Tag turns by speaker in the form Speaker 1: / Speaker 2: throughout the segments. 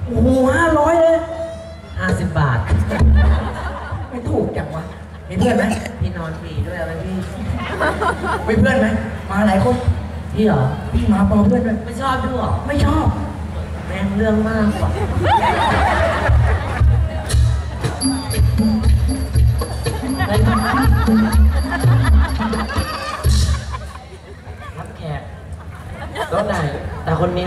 Speaker 1: โอ้โห500เลย
Speaker 2: 50 บาท
Speaker 1: ไม่ถูกจังวะมีเพื่อนไหม
Speaker 2: พี่นอนฟรีด้วยอะไรพี่
Speaker 1: มีเพื่อนไหมมาหลายคน
Speaker 2: พี่เหรอ
Speaker 1: พี่มาพอเพื่อนด้วย
Speaker 2: ไม่ชอบด้วยหรอ
Speaker 1: ไม่ชอบ
Speaker 2: แม่งเรื่องมากกว่ารับแขกรถไหนแต่คนนี้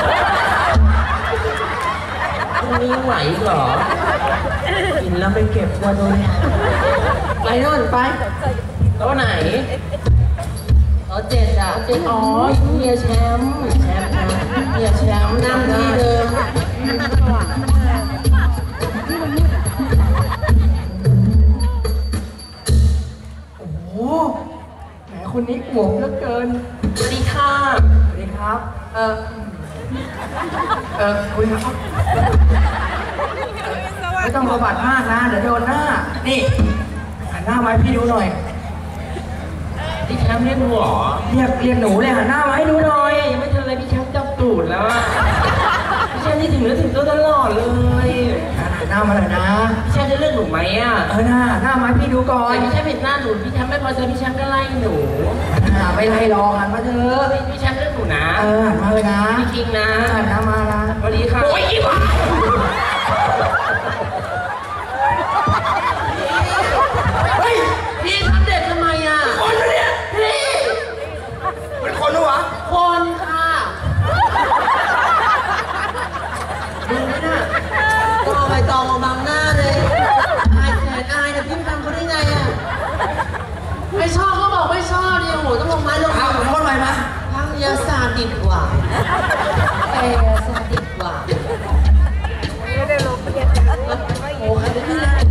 Speaker 2: ไหวเหรอกินแล้วไปเก็บตัวโดนไปนู่นไปรถไหนรถ7 อ่ะอ๋อเฮียแชมป์นะเฮียแชมป์นั่งที่เดิม
Speaker 1: โอ้โหแหมคนนี้อวบเหลือเกิน
Speaker 2: สวัสดีค่ะ
Speaker 1: สวัสดีครับคุยครับไม่ต้องประบาดมากนะเดี๋ยวโดนหน้านี่หันหน้ามาให้พี่ดูหน่อย
Speaker 2: พี่แชมป์เรียกหนูเหรอ
Speaker 1: เรียกหนูเลยหันหน้ามาให้ดูหน่อย
Speaker 2: ยังไม่ทันอะไรพี่แชมป์จับตูดแล้วอะพี่แชมป์นี่ถึงเนื้อถึงตัวตลอดเลย
Speaker 1: หันหน้ามาเลยนะ
Speaker 2: พี่แชมป์จะเลือกหนูไหมอะ
Speaker 1: หน้ามาให้พี่ดูก่อน
Speaker 2: พี่แชมป์เห็นหน้าหนูพี่แชมป์ไม่พอใจพี่แชมป์ก็ไล่หนู
Speaker 1: ไม่ไล่รอหันมาเถอะ
Speaker 2: พี่แชมป์เลือกหนูนะ
Speaker 1: หันมาเลยนะ
Speaker 2: พี่คิงนะ
Speaker 1: หันหน้ามานะ
Speaker 2: สวัสดีค่ะ
Speaker 1: โอ้ยอีบ้าเฮ้ย
Speaker 2: พี่ทำเด็กทำไมอะ
Speaker 1: คนเนี่ย
Speaker 2: พี่
Speaker 1: เป็นคนหรือวะ
Speaker 2: คนค่ะดูไหมน่ะก็เอาใบตองมาบังหน้าเลยอายแขนอายเนี่ยพี่ทำเขาได้ไงอะไม่ชอบก็บอกไม่ชอบดิโอ้โหต้องลงไม้ลงมือ
Speaker 1: ทำไมนะ
Speaker 2: พังยาซาดิสกว่าซาดิสกว่าไม่ได้ลงเรียนโอ้ใครจะพี่แล้ว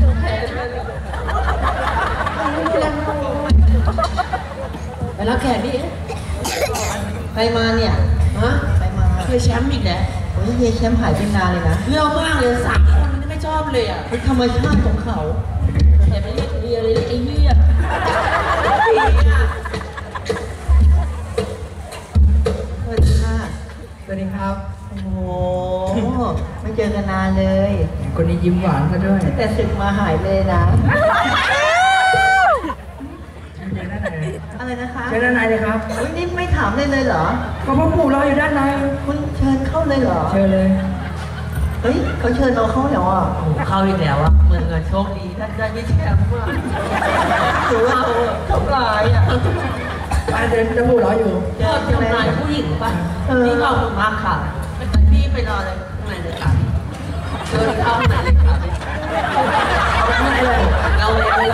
Speaker 2: ไปรับแขกดิไปมาเนี่ยฮะไปมาเคยแชมป์อีกแล้วโอ้ยเฮียแชมป์หายไปนานเลยนะเรื่องมากเลย3 คนนี่ไม่ชอบเลยอ่ะเป็นธรรมชาติของเขาแต่ไม่เรียกเฮียเลยไอ้เฮียสวัสดีค่ะ
Speaker 1: สวัสดีครับ
Speaker 2: โอ้โหไม่เจอกันนานเลย
Speaker 1: คนนี้ยิ้มหวานซะด้วย
Speaker 2: แต่ศึกมาหายเลยนะอะไรนะคะ
Speaker 1: เชิญด้านในเลยครับ
Speaker 2: นี่ไม่ถามเลยเหรอ
Speaker 1: ก็พ่อปู่รออยู่ด้านใน
Speaker 2: คุณเชิญเข้าเลยเหรอ
Speaker 1: เชิญเลย
Speaker 2: เฮ้ยเขาเชิญเราเข้าแล้วอ่ะเข้าอีกแล้วอ่ะเหมือนกับโชคดีท่านได้ไม่แชมป์ว่าหรือว่าทำลายอ่ะ
Speaker 1: เดินจะปู่รออยู่
Speaker 2: ทำลายผู้หญิงป่ะนี่ขอบคุณมากค่ะพี่ไปรอเลยข้างในเลยค่ะเชิญเข้าข้างในเลยค่ะข้างในเลยเรา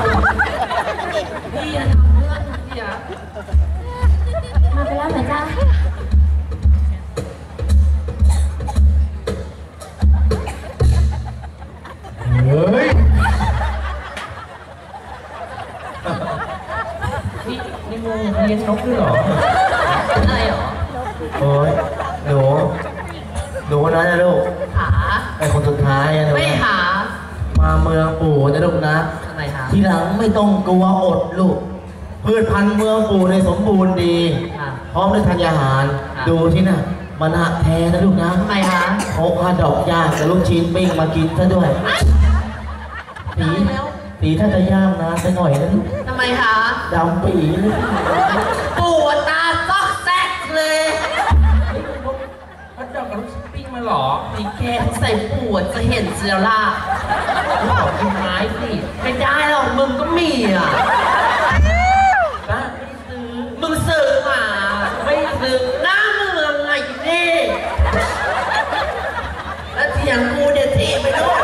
Speaker 2: พี่ทำเพื่อนพี่อะ
Speaker 3: มาไปแล้วเหรอจ๊ะ
Speaker 1: เฮ้ย
Speaker 2: นี่งูเลี้ยงนกด้วยเหรออะไรเหรอ
Speaker 4: โอ้ยหนูนะลูก
Speaker 2: หา
Speaker 4: ไอคนสุดท้ายนะ
Speaker 2: ไม่หา
Speaker 4: มาเมืองปู่นะลูกนะทีหลังไม่ต้องกลัวอดลูกพืชพันธุ์เมืองปู่ในสมบูรณ์ดีพร้อมด้วยธัญญาหารดูที่น่ะมันหักแท้นะลูกนะ
Speaker 2: ทำไมฮะ
Speaker 4: เขาข้าดอกย่างกับลูกชิ้นปิ้งมากินซะด้วยตีถ้าจะย่างนะสักหน่อยนะลูก
Speaker 2: ทำไมคะ
Speaker 4: ดำปีเลย
Speaker 2: ปู่ตาซอกแซกเลยเขาดอกกับลูกชิ้นปิ้งมาหรอมีแกใส่ปู่จะเห็นเสียล่ะขอกินไม้สิไม่ได้หรอกมึงก็มีอ่ะบ้าไม่ซื้อมึงซื้อมาไม่ซื้อหน้าเมืองไงนี่แล้วเถียงกูเดี๋ยวทีไปด้วย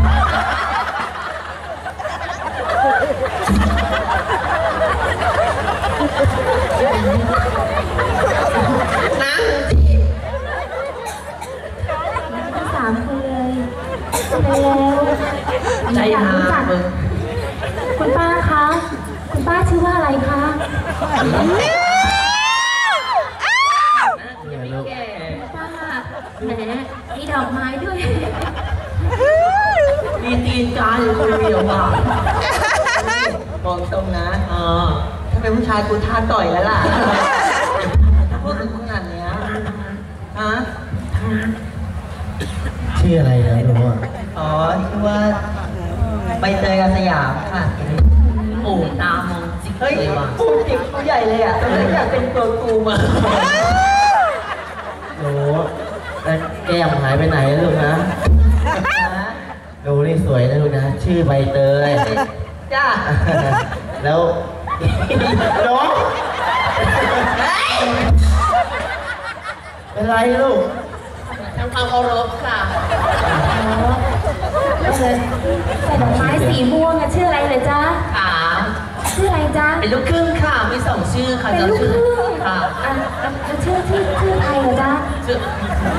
Speaker 2: นั่งสิ
Speaker 3: ทั้ง3 คนเลยไปแล้ว
Speaker 2: ใจหามึง
Speaker 3: คุณป้าคะคุณป้าชื่อว่าอะไรคะป้าแหมมีดอกไม้ด้วย
Speaker 2: มีตีนกาอยู่คนเดียวว่ะบอกตรงนะถ้าเป็นผู้ชายกูท่าต่อยแล้วล่ะถ้าพูดถึงขนาดเนี้ยฮะ
Speaker 4: ชีชื่ออะไรนะหนูอ่ะ
Speaker 2: อ๋อชื่อว่าใบเตยอาสยามค่ะปู่ตามองจิกเลยว่ะปู่จิกผู้ใหญ่เลยอ่ะตอนนี้อยากเป็นตัวกูมา
Speaker 4: หนูแล้วแก้มหายไปไหนลูกนะดูนี่สวยนะลูกนะชื่อใบเตย
Speaker 2: จ้า
Speaker 4: แล้วน้องเป็นไรลูก
Speaker 2: ทำความเคารพค่ะ
Speaker 3: ใส่ดอกไม้สีม่วงอะชื่ออะไรเลยจ๊ะ
Speaker 2: ขา
Speaker 3: ชื่ออะไรจ๊ะ
Speaker 2: เป็นลูกครึ่งค่ะมีสองชื่อค่ะ
Speaker 3: เป็นลูกครึ่ง
Speaker 2: ค่ะ
Speaker 3: ชื่อไทยเหรอจ๊ะ
Speaker 2: ชื่อ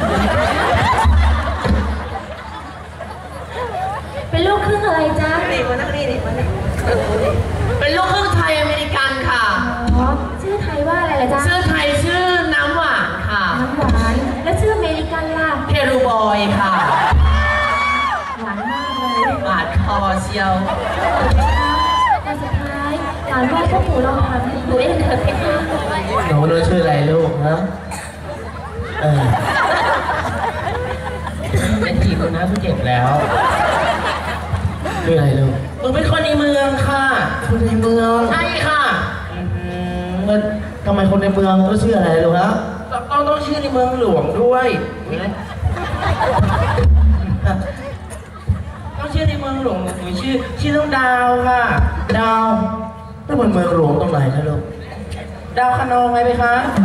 Speaker 3: เป็นลูกครึ่งอะไรจ๊ะ
Speaker 2: นี่มานั่งนี่นี่มานั่งเป็นลูกครึ่งไทยอเมริกันค่ะ
Speaker 3: อ๋อชื่อไทยว่าอะไรล่ะจ๊ะ
Speaker 2: ชื่อไทยชื่อน้ำหวานค่ะ
Speaker 3: น้ำหวานแล้วชื่ออเมริกันล่ะ
Speaker 2: เพรูบอยค่ะ
Speaker 3: หวานมากเลย
Speaker 2: หวานคอเชียว
Speaker 3: แต่สุดท้ายหลานว่าพวกหนูลองทำหนูเองเถิดเพคะ
Speaker 4: หนูรู้ชื่ออะไรลูกฮะเออ
Speaker 2: เป็นจีบคนนะผู้เจ็บแล้ว
Speaker 4: ชื่ออะไรลูก
Speaker 2: มึงเป็นคนในเมืองค่ะ
Speaker 4: คนในเมือง
Speaker 2: ใช่ค่ะ
Speaker 4: มันทำไมคนในเมืองต้องชื่ออะไรลูกฮะ
Speaker 2: ต้องชื่อในเมืองหลวงด้วยต้องชื่อในเมืองหลวงหนูชื่อน้องดาวค่ะ
Speaker 4: ดาวนั่นมันเมืองหลวงตรงไหนนะลูก
Speaker 2: ดาวคะนองไงไหมคะ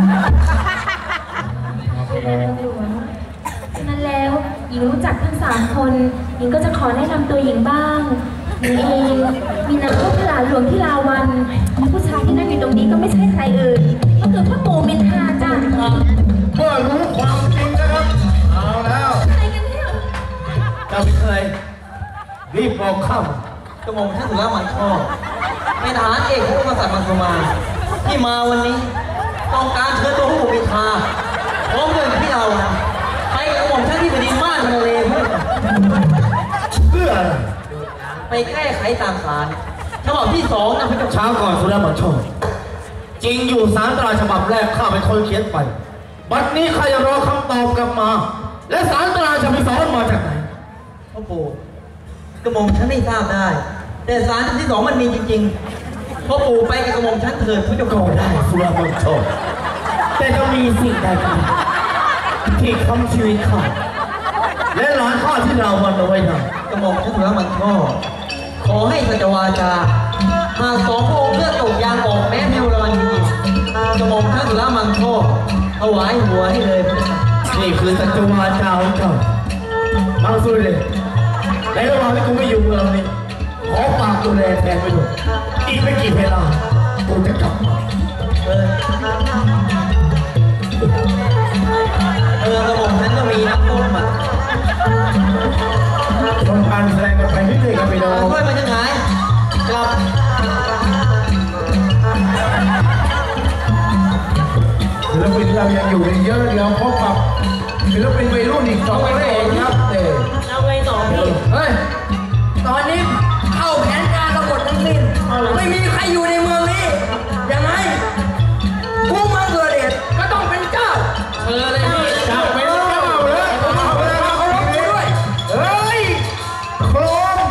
Speaker 3: นั้นแล้วหญิงรู้จักทั้ง3 คนหญิงก็จะขอแนะนำตัวหญิงบ้างหญิงเองมีนามว่าพระหลานหลวงที่ลาวันผู้ชายที่นั่งอยู่ตรงนี้ก็ไม่ใช่ใครอื่นก็คือพ่อปู่มินทาจ้ะ
Speaker 4: เมื่อรู้ความจริงนะครับเอาแล้ว
Speaker 3: ใครกันเนี่ย
Speaker 4: เจ้าไม่เคยรีบบอกข้าม
Speaker 5: กระหม่อมท่านสุรมันชอบเป็นทหารเอกของกษัตริย์มังสมาที่มาวันนี้ต้องการเชิญตัวผู้มินทาพร้อมด้วยพี่เรานะไปกระหม่อมท่านที่แผ่นดินม่านมาเลยเพื่อ
Speaker 4: เพื่ออะไร
Speaker 5: ไปแก้ไขตามศาลฉบับที่2นะพระเจ้า
Speaker 4: เช้าก่อนสุรมันชอบจริงอยู่สารตราฉบับแรกข้าเป็นคนเขียนไปบัดนี้ข้าจะรอคำตอบกลับมา และสารตราฉบับที่2มาจากไหน
Speaker 5: พ่อปู่กระหม่อมท่านไม่ทราบได้ แต่ศาลฉบับที่2มันมีจริงๆพ่อปู่ไปกับกระหม่อมท่านเถิดพระเจ้า
Speaker 4: ก็
Speaker 5: ค่ะ
Speaker 4: ได้สุรมันชอบแต่จะมีสิ่งใดกันที่คำชีวิตข้าและหลานข้าที่เราวันเอาไว้ทำ
Speaker 5: กระหม่อมท่านสุรมันชอบขอให้สัจวาจาหาก2 พระองค์เลือดตกยางออกแม้เทวราจริงๆกระหม่อมท่านสุรมันชอบถวายหัวให้เลยพระเจ้าค่ะ
Speaker 4: นี่คือสัจวาจาของเจ้าบางสุดเลยในระหว่างที่กูไม่อยู่เมืองนี้ขอฝากดูแลแทนไปด้วยอีกไม่กี่เวลากูจะกลับมา
Speaker 5: กระหม่อมฉันก็มีน้ำต้มอ่ะ
Speaker 4: ทำการแสดงกันไปเรื่อยๆกันไปน้อง
Speaker 5: ค่อยมาจะหายกลับ
Speaker 4: ศิลปินเรายังอยู่กันเยอะเดี๋ยวพบกับศิลปินวัยรุ่นอีก2 คนครับ
Speaker 2: เอาไงต่อพี่
Speaker 1: เฮ้ย ตอนนี้เข้าแผนการเราหมดทั้งสิ้นไม่มีใครอยู่ในเมืองนี้ ยังไงผู้มาเกิดเหตุก็ต้องเป็นเจ้า
Speaker 2: เชิญเลยพี่
Speaker 4: จับไปแล้วเลยเอาเลยเอาเลยด้วยเฮ้ยโครม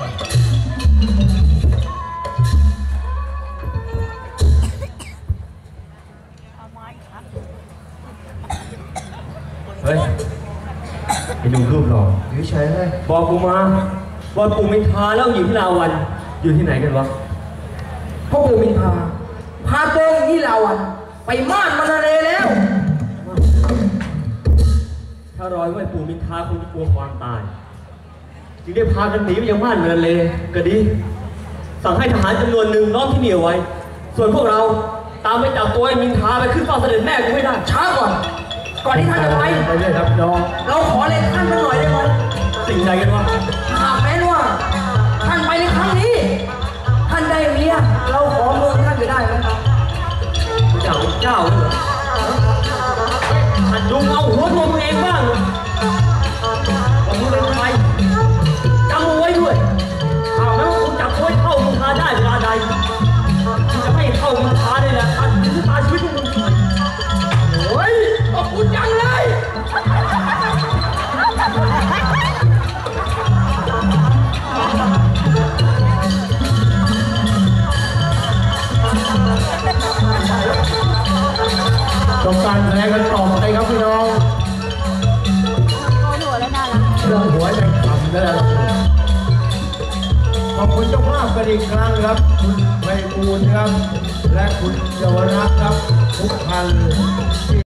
Speaker 4: เฮ้ยไปดูรูปหรออยู่เฉยเลย
Speaker 6: บอกกูมาว่าปู่มินทาแล้วอยู่ที่ลาวันอยู่ที่ไหนกันวะ
Speaker 1: พ่อปู่มินทาพาตัวอย่างที่ลาวันไปม่านมานาเลแล้ว
Speaker 6: ถ้ารอยไว้ปู่มินทาคงจะกลัวความตายจึงได้พากันหนีไปยังม่านเมืองเลยก็ดี สั่งให้ทหารจำนวนหนึ่งล้อมที่นี่เอาไว้ ส่วนพวกเราตามไปจับตัวไอ้มินทาไปขึ้นเฝ้าเสด็จแม่กูไม่ได้
Speaker 1: ช้าก่อน ก่อนที่ท่านจะไป
Speaker 4: ไปเลยครับน้อง
Speaker 1: เราขอเลยท่านสักหน่อยได้ไหม
Speaker 6: สิ่งใดกันวะ
Speaker 1: หากแม้ว่าท่านไปในครั้งนี้ ท่านได้เมียเราขอเมืองท่านจะได้ไหม
Speaker 6: เจ้าเป็นเจ้าเลยเหรอหัดดูเอาหัวตัวมึงเองบ้างว่ามึงเป็นใครจำเอาไว้ด้วยถ้าแม้ว่าคุณจับตัวไอ้เข้ามินทาได้เวลาใดจะไม่เข้ามินทาได้แหละตัดสินชะตาชีวิตของมึง
Speaker 1: โอ้ยขอบคุณจังเลย
Speaker 4: กันต่อไปครับพี่น้องเรื่องหัวใจขำแล้วล่ะขอบคุณเจ้าภาพกันอีกครั้งครับคุณไพบูลย์ครับและคุณเยาวรักษ์ครับทุกท่าน